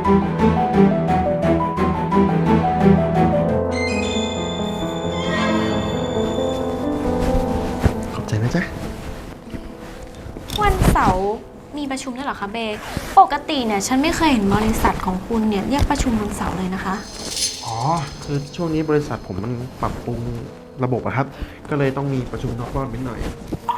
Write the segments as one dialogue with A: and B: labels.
A: ขอบใจนะจ๊ะ
B: วันเสาร์มีประชุมด้วยเหรอคะเบย์ปกติเนี่ยฉันไม่เคยเห็นบริษัทของคุณเนี่ยเรียกประชุมวันเสาร์เลยนะคะ
A: อ๋อคือช่วงนี้บริษัทผมมันปรับปรุงระบบอะครับก็เลยต้องมีประชุมนอกรอบนิดหน่อย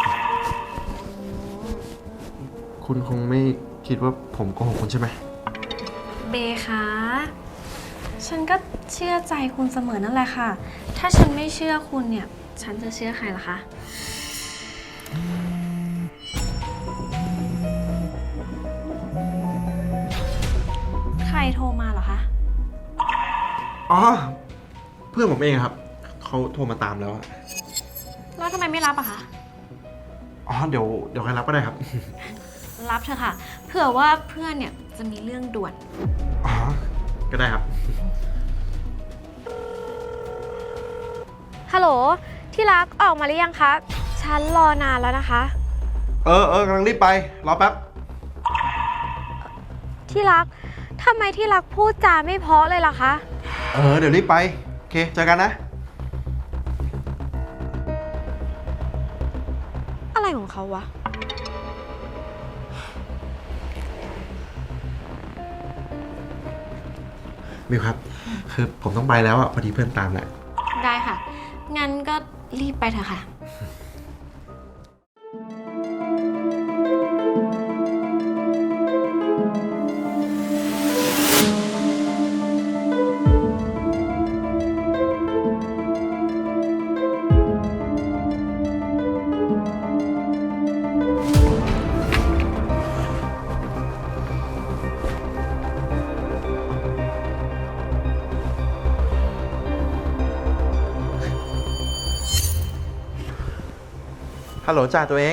A: คุณคงไม่คิดว่าผมโกหกคุณใช่ไหม
B: เบย์คะฉันก็เชื่อใจคุณเสมอนั่นแหละค่ะ ถ้าฉันไม่เชื่อคุณเนี่ยฉันจะเชื่อใครล่ะคะใครโทรมาเหรอคะ
A: อ๋อเพื่อนผมเองครับเขาโทรมาตามแล้วอะ
B: แล้วทำไมไม่รับอะคะ
A: อ๋อเดี๋ยวใครรับก็ได้ครับ
B: รับเถอะค่ะเผื่อว่าเพื่อนเนี่ยจะมีเรื่องด่วน
A: อ๋อก็ได้ครับ
C: ฮัลโหลที่รักออกมาหรือยังคะฉันรอนานแล้วนะคะ
A: กำลังรีบไปรอแป๊บ
C: ที่รักทำไมที่รักพูดจาไม่เพราะเลยล่ะคะ
A: เดี๋ยวรีบไปโอเคเจอกันนะ
C: อะไรของเขาวะ
A: มิวครับคือผมต้องไปแล้วอ่ะพอดีเพื่อนตามแหละ
B: ได้ค่ะงั้นก็รีบไปเถอะค่ะ
A: ฮัลโหลจ่าตัวเอง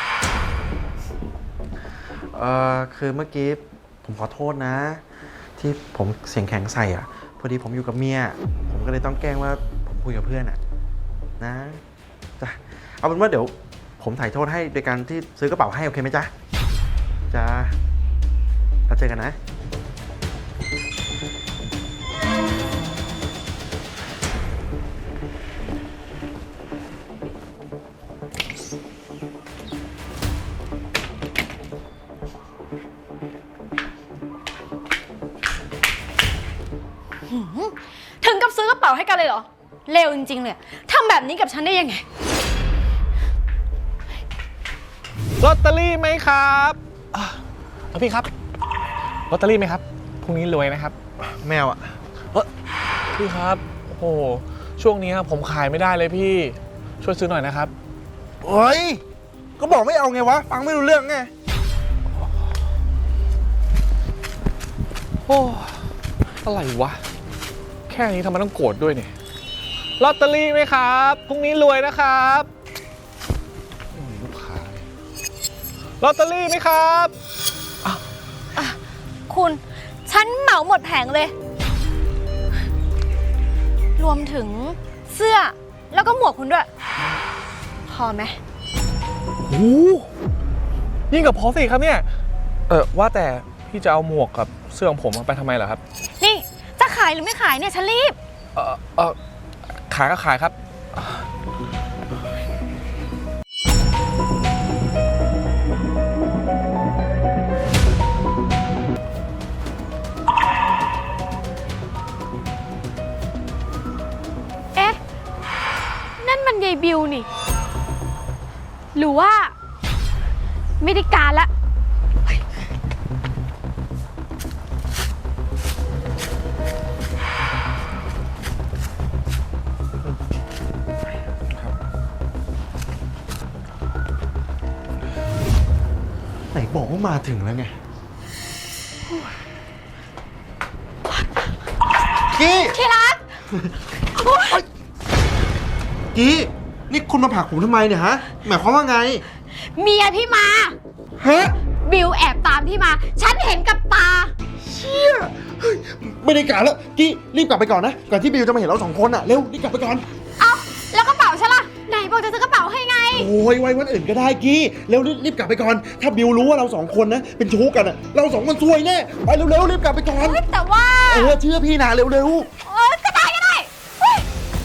A: คือเมื่อกี้ผมขอโทษนะที่ผมเสียงแข็งใส่อ่ะพอดีผมอยู่กับเมียผมก็เลยต้องแกล้งว่าผมคุยกับเพื่อนอ่ะนะจ้ะเอาเป็นว่าเดี๋ยวผมถ่ายโทษให้โดยการที่ซื้อกระเป๋าให้โอเคไหมจ๊ะจ้าแล้วเจอกันนะ
B: ถึงกับซื้อกระเป๋าให้กันเลยเหรอเลวจริงๆเลยทำแบบนี้กับฉันได้ยังไง
D: ลอตเตอรี่ไหมครับพี่ครับลอตเตอรี่ไหมครับพรุ่งนี้รวยนะครับ
A: แมวอ่ะ
D: พี่ครับโอ้โหช่วงนี้ผมขายไม่ได้เลยพี่ช่วยซื้อหน่อยนะครับ
A: เฮ้ยก็บอกไม่เอาไงวะฟังไม่รู้เรื่องไง
D: โอ้อะไรวะแค่นี้ทำไมต้องโกรธด้วยเนี่ยลอตเตอรี่ไหมครับพรุ่งนี้รวยนะครับลูกค้าลอตเตอรี่ไหมครับ
B: คุณฉันเหมาหมดแผงเลยรวมถึงเสื้อแล้วก็หมวกคุณด้วยพอไหม
D: โอ้ยิ่งกับพอสิครับเนี่ยว่าแต่พี่จะเอาหมวกกับเสื้อของผมไปทำไมเหรอครับ
B: นี่จะขายหรือไม่ขายเนี่ยฉันรีบ
D: ขายก็ขายครับ
C: เอ๊ะนั่นมันยายบิวนี่หรือว่าไม่ได้การละ
A: ไหนบอกว่ามาถึงแล้วไงกี้
B: ที่รัก
A: กี้นี่คุณมาผลักผมทำไมเนี่ยฮะหมายความว่าไง
B: เมียพี่มา
A: ฮะ
B: บิวแอบตามพี่มาฉันเห็นกับตา
A: เชี่ยไม่ได้การแล้วกี้รีบกลับไปก่อนนะก่อนที่บิวจะมาเห็นเราสองคนอ่ะเร็วรีบกลับไปก่อน
B: เอาแล้วกระเป๋าฉันล่ะไหนบอกจะซื้อกระเป๋าให้ไง
A: โอ้ยไว้วันอื่นก็ได้กี้เร็วรีบกลับไปก่อน ถ้าบิวรู้ว่าเราสองคนนะเป็นชู้กันอะเราสองคนซวยแน่ไปเร็วรีบกลับไปก่อน
C: แต่ว่า
A: เชื่อพี่นะเร็ว
C: ก็ได้เฮ้ย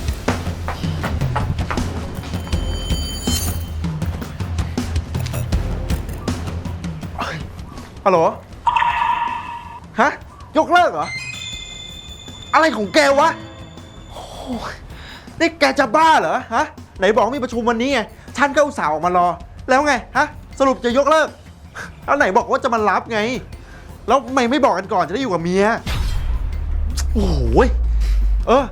A: ฮัลโหลฮะยกเลิกเหรออะไรของแกวะโอ้ยนี่แกจะบ้าเหรอฮะไหนบอกมีประชุมวันนี้ไงฉันก็อุตส่าห์ออกมารอแล้วไงฮะสรุปจะยกเลิกแล้วไหนบอกว่าจะมารับไงแล้วทำไมไม่บอกกันก่อนจะได้อยู่กับเมียโอ้โหย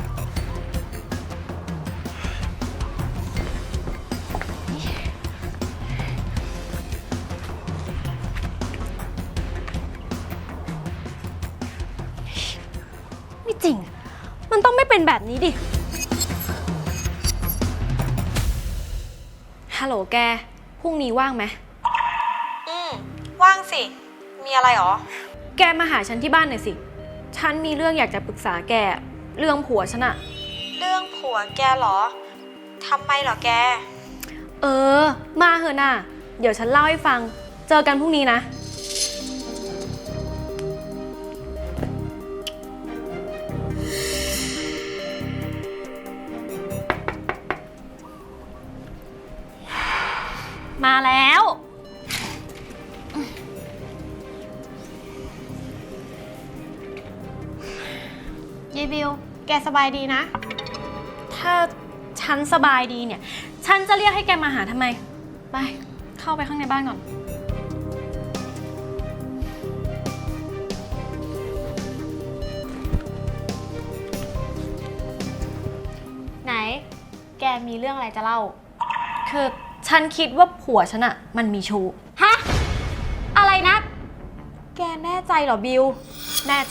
B: ไม่จริง มันต้องไม่เป็นแบบนี้ดิ ฮัลโหลแก พรุ่งนี้ว่างไหม
E: ว่างสิ มีอะไรหรอ
B: แกมาหาฉันที่บ้านหน่อยสิ ฉันมีเรื่องอยากจะปรึกษาแก เรื่องผัวฉันอะ
E: เรื่องผัวแกเหรอ ทำไมเหรอแก
B: มาเหอะน่ะ เดี๋ยวฉันเล่าให้ฟัง เจอกันพรุ่งนี้นะ มาแล้ว
C: ยายบิว แกสบายดีนะ
B: ถ้าฉันสบายดีเนี่ย ฉันจะเรียกให้แกมาหาทำไม ไป เข้าไปข้างในบ้านก่อน
C: ไหน แกมีเรื่องอะไรจะเล่า
B: คือฉันคิดว่าผัวฉันอะมันมีชู้
C: ฮะ อะไรนะ แกแน่ใจเหรอบิว
B: แน่ใจ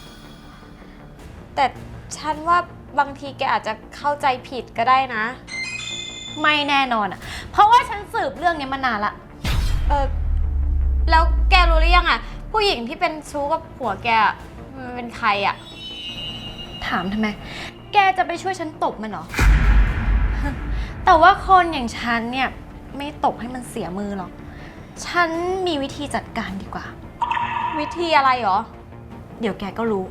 C: แต่ฉันว่าบางทีแกอาจจะเข้าใจผิดก็ได้นะ
B: ไม่แน่นอนอะเพราะว่าฉันสืบเรื่องนี้มานานละ
C: แล้วแกรู้หรือยังอะผู้หญิงที่เป็นชู้กับผัวแกอะมันเป็นใครอะ
B: ถามทำไม แกจะไปช่วยฉันตบมันเหรอ แต่ว่าคนอย่างฉันเนี่ยไม่ตบให้มันเสียมือหรอก ฉันมีวิธีจัดการดีกว่า
C: วิธีอะไรหรอ
B: เดี๋ยวแกก็รู้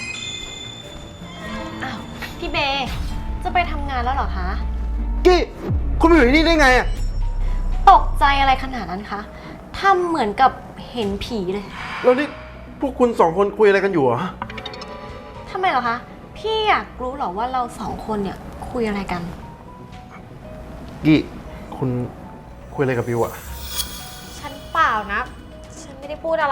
B: อ้าว พี่เบย์จะไปทำงานแล้วเหรอคะ
A: กี้คุณมาอยู่ที่นี่ได้ไงอะ
B: ตกใจอะไรขนาดนั้นคะทำเหมือนกับเห็นผีเลย
A: แล้วนี่พวกคุณสองคนคุยอะไรกันอยู่เหรอ
B: ทำไมเหรอคะ พี่อยากรู้เหรอว่าเราสองคนเนี่ยคุยอะไรกัน
A: กี้คุณคุยอะไรกับบิวอะ
C: ฉันเปล่านะ ฉันไม่ได้พูดอะไร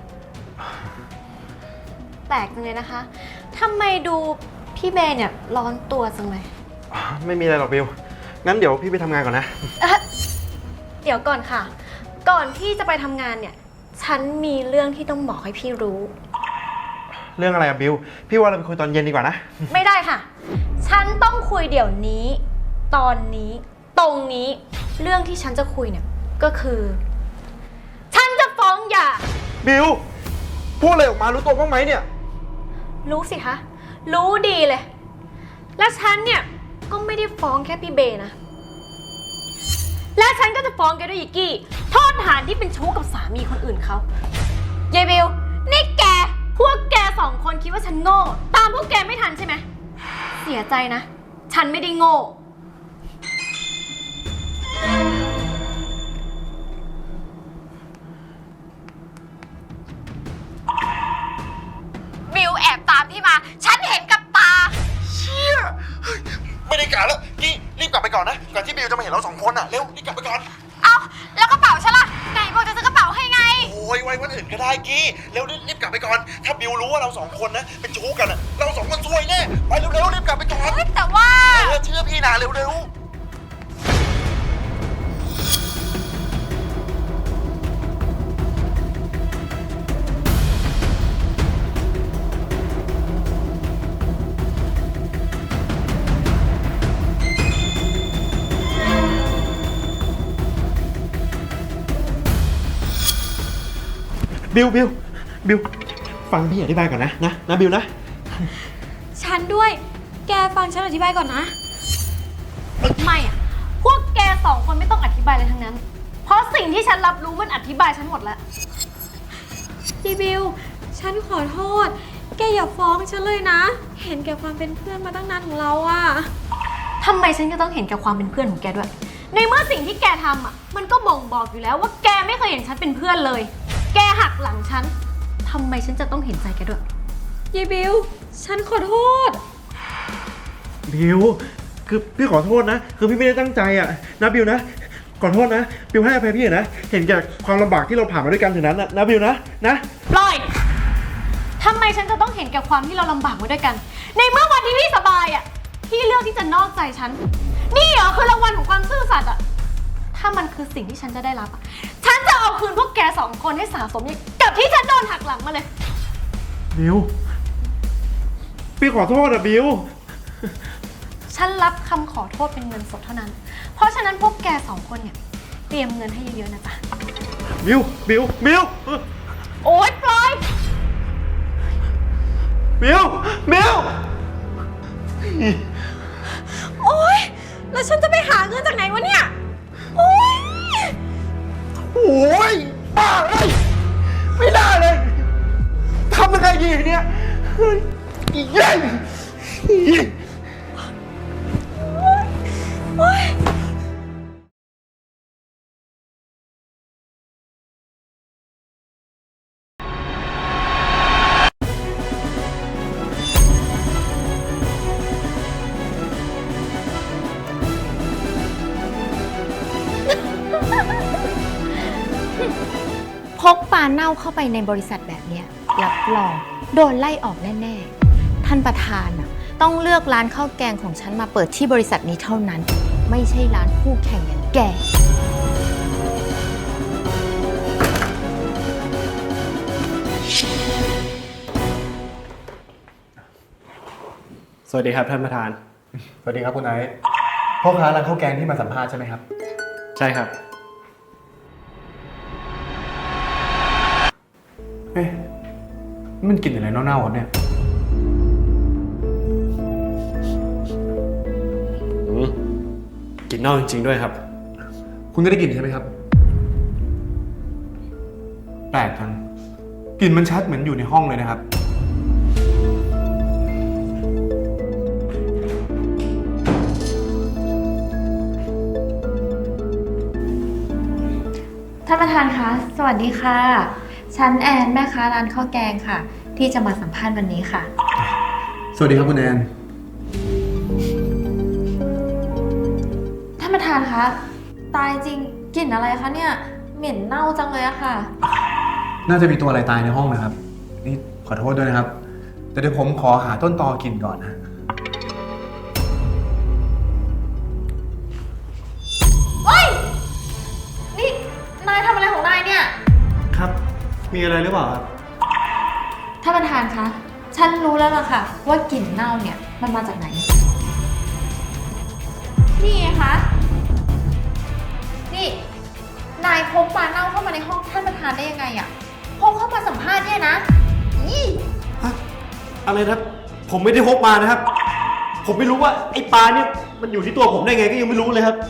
B: แปลกจังเลยนะคะทำไมดูพี่เบย์เนี่ยร้อนตัวจังเลย
A: ไม่มีอะไรหรอกบิวงั้นเดี๋ยวพี่ไปทำงานก่อนนะ
B: เดี๋ยวก่อนค่ะ ก่อนที่จะไปทำงานเนี่ย ฉันมีเรื่องที่ต้องบอกให้พี่รู้
A: เรื่องอะไรอะบิวพี่ว่าเราไปคุยตอนเย็นดีกว่านะ
B: ไม่ได้ค่ะ ฉันต้องคุยเดี๋ยวนี้ ตอนนี้ ตรงนี้ เรื่องที่ฉันจะคุยเนี่ย ก็คือ ฉันจะฟ้องหย่า
A: บิวพูดอะไรออกมารู้ตัวบ้างไหมเนี่ย
B: รู้สิคะ รู้ดีเลย และฉันเนี่ย ก็ไม่ได้ฟ้องแค่พี่เบย์นะ และฉันก็จะฟ้องแกด้วยอีกกี้โทษฐานที่เป็นชู้กับสามีคนอื่นเขายายบิว นี่แก พวกแกสองคนคิดว่าฉันโง่ ตามพวกแกไม่ทันใช่ไหม เสียใจนะ ฉันไม่ได้โง่
C: บิวแอบตามพี่มา ฉันเห็นกับตา
A: เชี่ยไม่ได้การแล้วกี้รีบกลับไปก่อนนะก่อนที่บิวจะมาเห็นเราสองคนอะเร็วรีบกลับไปก่อน
C: เอาแล้วกระเป๋าฉันล่ะ ไหนบอกจะซื้อกระเป๋าให้ไง
A: โอ้ยไว้วันอื่นก็ได้กี้เร็วรีบกลับไปก่อน ถ้าบิวรู้ว่าเราสองคนนะเป็นชู้กันอะเราสองคนซวยแน่ไปเร็วรีบกลับไปก่อน
C: แต่ว่า
A: เชื่อพี่นะเร็วบิวฟังพี่อธิบายก่อนนะบิวนะ
C: ฉันด้วย แกฟังฉันอธิบายก่อนนะ
B: ไม่อะพวกแกสองคนไม่ต้องอธิบายอะไรทั้งนั้น เพราะสิ่งที่ฉันรับรู้มันอธิบายฉันหมดแล้ว
E: พี่บิว ฉันขอโทษ แกอย่าฟ้องฉันเลยนะ เห็นแก่ความเป็นเพื่อนมาตั้งนานของเราอะ
B: ทำไมฉันจะต้องเห็นแก่ความเป็นเพื่อนของแกด้วย ในเมื่อสิ่งที่แกทำอ่ะ มันก็บ่งบอกอยู่แล้วว่าแกไม่เคยเห็นฉันเป็นเพื่อนเลย แกหักหลังฉัน ทำไมฉันจะต้องเห็นใจแกด้วย
E: ยายบิว ฉันขอโทษ
A: บิว คือพี่ขอโทษนะ คือพี่ไม่ได้ตั้งใจอะนะบิวนะ ขอโทษนะ บิวให้อภัยพี่นะ เห็นแก่ความลำบากที่เราผ่านมาด้วยกันถึงนั้นนะบิวนะ
B: ปล่อย ทำไมฉันจะต้องเห็นแก่ความที่เราลำบากมาด้วยกัน ในเมื่อวันที่พี่สบายอ่ะ พี่เลือกที่จะนอกใจฉัน นี่เหรอคือรางวัลของความซื่อสัตย์อ่ะ ถ้ามันคือสิ่งที่ฉันจะได้รับอะฉันจะเอาคืนพวกแกสองคนให้สะสมกับที่ฉันโดนหักหลังมาเลย
A: บิว พี่ขอโทษอะบิว
B: ฉันรับคำขอโทษเป็นเงินสดเท่านั้น เพราะฉะนั้นพวกแกสองคนเนี่ยเตรียมเงินให้เยอะๆนะจ๊ะ
A: บิว
B: โอ๊ยปล่อย
A: บิว
E: โอ๊ย แล้วฉันจะไปหาเงินจากไหนวะเนี่ย โอ๊ย
A: โอ้ยบ้าเลยไม่ได้เลยทำยังไงดีเนี่ยอีเย้ย
C: พกปลาเน่าเข้าไปในบริษัทแบบเนี้ยรับรองโดนไล่ออกแน่ๆ ท่านประธานน่ะต้องเลือกร้านข้าวแกงของฉันมาเปิดที่บริษัทนี้เท่านั้น ไม่ใช่ร้านคู่แข่งอย่างแก
F: สวัสดีครับท่านประธาน
G: สวัสดีครับคุณไอซ์พ่อค้าร้านข้าวแกงที่มาสัมภาษณ์ใช่ไหมครับ
F: ใช่ครับ
G: เอ๊ะนี่มันกลิ่นอะไรเน่าๆครับเนี่ย
F: กลิ่นเน่าจริงๆด้วยครับ
G: คุณก็ได้กลิ่นใช่ไหมครับ แปลกจังกลิ่นมันชัดเหมือนอยู่ในห้องเลยนะครับ
C: ท่านประธานคะ สวัสดีค่ะ ฉันแอนแม่ค้าร้านข้าวแกงค่ะ ที่จะมาสัมภาษณ์วันนี้ค่ะ
G: สวัสดีครับคุณแอน
C: ท่านประธานคะ ตายจริงกลิ่นอะไรคะเนี่ย เหม็นเน่าจังเลยอะค่ะ
G: น่าจะมีตัวอะไรตายในห้องนะครับ นี่ขอโทษด้วยนะครับ แต่เดี๋ยวผมขอหาต้นตอกลิ่นก่อนนะ
C: เฮ้ย นี่นายทำอะไรของนายเนี่ย
F: ครับ มีอะไรหรือเปล่าครับ
C: ท่านประธานคะ ฉันรู้แล้วล่ะค่ะ ว่ากลิ่นเน่าเนี่ยมันมาจากไหน นี่ไงคะ นี่ นายพกปลาเน่าเข้ามาในห้องท่านประธานได้ยังไงอะพกเข้ามาสัมภาษณ์เนี่ยนะอี
F: อะไรนะ ผมไม่ได้พกมานะครับ ผมไม่รู้ว่าไอ้ปลาเนี่ยมันอยู่ที่ตัวผมได้ไงก็ยังไม่รู้เลยครับ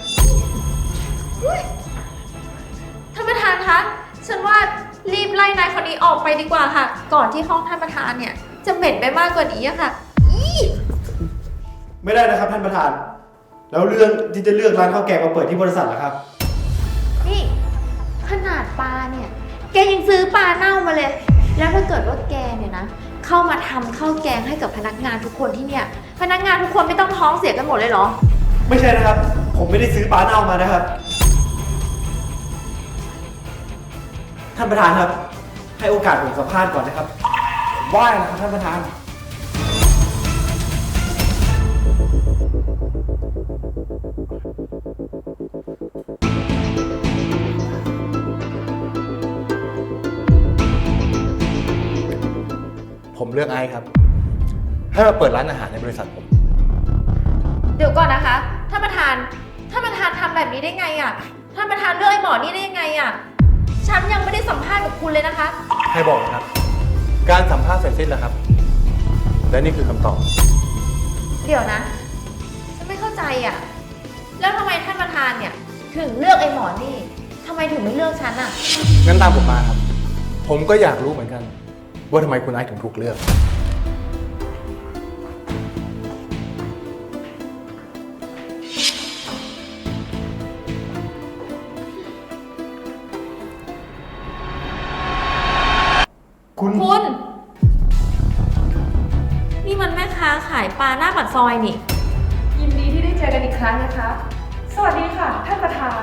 C: ท่านประธานคะ ฉันว่ารีบไล่นายคนนี้ออกไปดีกว่าค่ะ ก่อนที่ห้องท่านประธานเนี่ยจะเหม็นไปมากกว่านี้อะค่ะอี
F: ไม่ได้นะครับท่านประธาน แล้วเรื่องที่จะเลือกร้านข้าวแกงมาเปิดที่บริษัทล่ะครับ
C: นี่ขนาดปลาเนี่ย แกยังซื้อปลาเน่ามาเลย แล้วถ้าเกิดว่าแกเนี่ยนะ เข้ามาทำข้าวแกงให้กับพนักงานทุกคนที่เนี่ย พนักงานทุกคนไม่ต้องท้องเสียกันหมดเลยเหรอ
F: ไม่ใช่นะครับ ผมไม่ได้ซื้อปลาเน่ามานะครับ ท่านประธานครับ ให้โอกาสผมสัมภาษณ์ก่อนนะครับ ผมไหว้นะครับท่านประธาน
G: ผมเลือกไอซ์ครับ ให้มาเปิดร้านอาหารในบริษัทผม
C: เดี๋ยวก่อนนะคะ ท่านประธานทำแบบนี้ได้ไงอะ ท่านประธานเลือกไอ้หมอนี่ได้ยังไงอะ ฉันยังไม่ได้สัมภาษณ์กับคุณเลยนะคะ
G: ให้บอกนะครับ การสัมภาษณ์เสร็จสิ้นแล้วครับ และนี่คือคำตอบ
C: เดี๋ยวนะ ฉันไม่เข้าใจอะแล้วทำไมท่านประธานเนี่ยถึงเลือกไอ้หมอนี่ทำไมถึงไม่เลือกฉันอะ
G: งั้นตามผมมาครับ ผมก็อยากรู้เหมือนกัน ว่าทำไมคุณไอซ์ถึงถูกเลือก
C: คุณ นี่มันแม่ค้าขายปลาหน้าปากซอยนี่
H: ยินดีที่ได้เจอกันอีกครั้งนะคะ สวัสดีค่ะ ท่านประธาน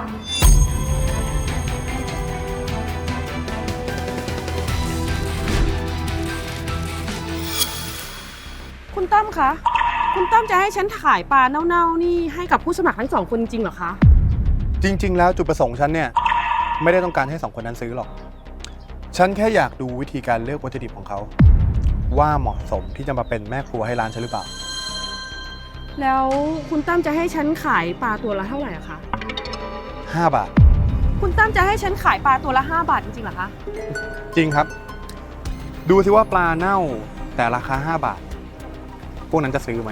I: คุณตั้มคะ คุณตั้มจะให้ฉันขายปลาเน่าๆนี่ให้กับผู้สมัครทั้งสองคนจริงเหรอคะ
G: จริง ๆ แล้วจุดประสงค์ฉันเนี่ย ไม่ได้ต้องการให้สองคนนั้นซื้อหรอก ฉันแค่อยากดูวิธีการเลือกวัตถุดิบของเขา ว่าเหมาะสมที่จะมาเป็นแม่ครัวให้ร้านฉันหรือเปล่า
I: แล้วคุณตั้มจะให้ฉันขายปลาตัวละเท่าไหร่อะคะ
G: 5 บาท
I: คุณตั้มจะให้ฉันขายปลาตัวละ5 บาทจริงๆเหรอคะ
G: จริงครับ ดูสิว่าปลาเน่าแต่ราคา5 บาท พวกนั้นจะซื้อไหม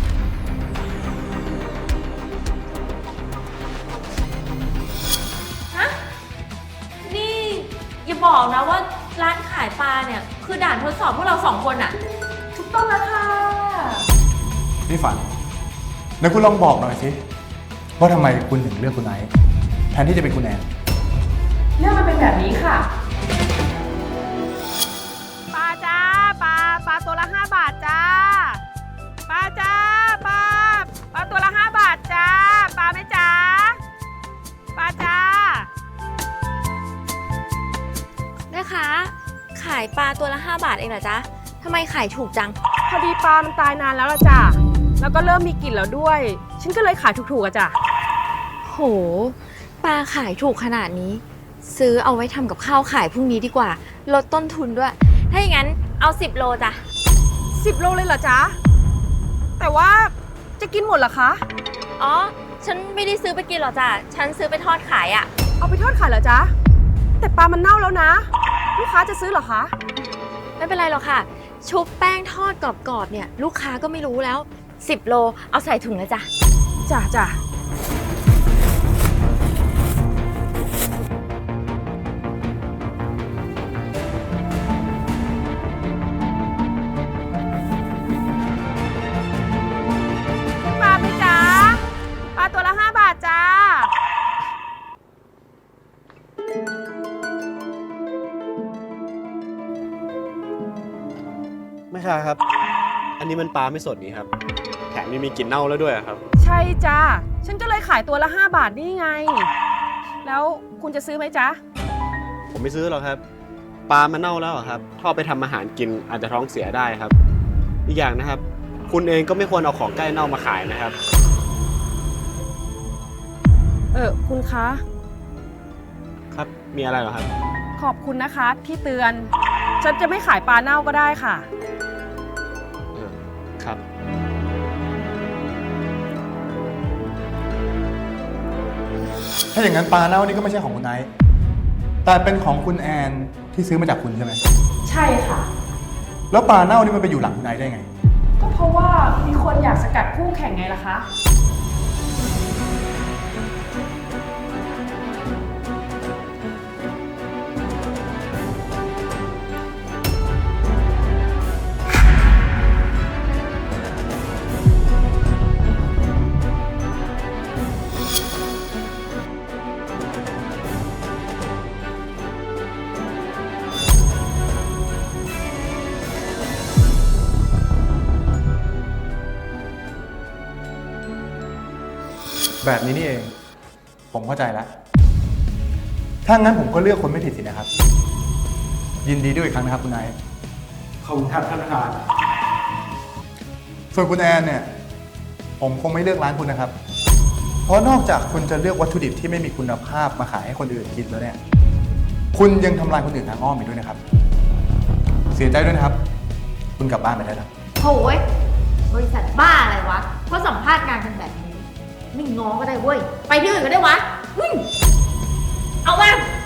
C: นี่อย่าบอกนะว่าร้านขายปลาเนี่ยคือด่านทดสอบพวกเรา2 คนอะ
H: ถูกต้องแล้วค่ะ
G: นี่ฝันไหนคุณลองบอกหน่อยสิว่าทำไมคุณถึงเลือกคุณไอซ์แทนที่จะเป็นคุณแอน
H: เรื่องมันเป็นแบบนี้ค่ะ
I: ปลาจ้าปลาตัวละ5 บาทจ้าปลาจ้าปลาตัวละ5 บาทจ้าปลาไหมจ้าปลาจ้า
C: แม่ค้าขายปลาตัวละ5 บาทเองเหรอจ๊ะทำไมขายถูกจัง
I: พอดีปลามันตายนานแล้วล่ะจ้ะแล้วก็เริ่มมีกลิ่นแล้วด้วย ฉันก็เลยขายถูกๆอะจ้ะ
C: โห ปลาขายถูกขนาดนี้ ซื้อเอาไว้ทำกับข้าวขายพรุ่งนี้ดีกว่า ลดต้นทุนด้วย ถ้าอย่างนั้นเอา10 โลจ้ะ
I: 10 โลเลยเหรอจ๊ะแต่ว่าจะกินหมดเหรอคะ
C: อ๋อ ฉันไม่ได้ซื้อไปกินหรอกจ้ะ ฉันซื้อไปทอดขายอะ
I: เอาไปทอดขายเหรอจ๊ะแต่ปลามันเน่าแล้วนะ ลูกค้าจะซื้อเหรอคะ
C: ไม่เป็นไรหรอกค่ะ ชุบแป้งทอดกรอบๆเนี่ย ลูกค้าก็ไม่รู้แล้ว 10 โลเอาใส่ถุงเลยจ้ะ
I: จ้ะปลาไหมจ๊ะปลาตัวละ5 บาทจ้า
F: ไม่ใช่ครับ อันนี้มันปลาไม่สดนี่ครับ แถมยังมีกลิ่นเน่าแล้วด้วยครับ
I: ใช่จ้าฉันก็เลยขายตัวละ5 บาทนี่ไง แล้วคุณจะซื้อไหมจ๊ะ
F: ผมไม่ซื้อหรอกครับ ปลามันเน่าแล้วอะครับถ้าเอาไปทำอาหารกินอาจจะท้องเสียได้ครับ อีกอย่างนะครับ คุณเองก็ไม่ควรเอาของใกล้เน่ามาขายนะครับ
I: คุณคะ
F: ครับ มีอะไรเหรอครับ
I: ขอบคุณนะคะที่เตือน ฉันจะไม่ขายปลาเน่าก็ได้ค่ะ
F: ครับ
G: ถ้าอย่างนั้นปลาเน่านี่ก็ไม่ใช่ของคุณไอซ์แต่เป็นของคุณแอนที่ซื้อมาจากคุณใช่ไหม
H: ใช่ค่ะ
G: แล้วปลาเน่านี่มันไปอยู่หลังคุณไอซ์ได้ไง
H: ก็เพราะว่ามีคนอยากสกัดคู่แข่งไงล่ะคะ
G: แบบนี้นี่เอง ผมเข้าใจแล้ว ถ้างั้นผมก็เลือกคนไม่ผิดสินะครับ ยินดีด้วยอีกครั้งนะครับคุณไอซ์
F: ขอบคุณครับท่านประธาน
G: ส่วนคุณแอนเนี่ย ผมคงไม่เลือกร้านคุณนะครับ เพราะนอกจากคุณจะเลือกวัตถุดิบที่ไม่มีคุณภาพมาขายให้คนอื่นกินแล้วเนี่ย คุณยังทำลายคนอื่นทางอ้อมอีกด้วยนะครับ เสียใจด้วยนะครับ คุณกลับบ้านไปได้แล้ว
C: โหยบริษัทบ้าอะไรวะเพราะสัมภาษณ์งานกันแบบนี้ ไม่ง้อก็ได้เว้ย ไปที่อื่นก็ได้วะเอามา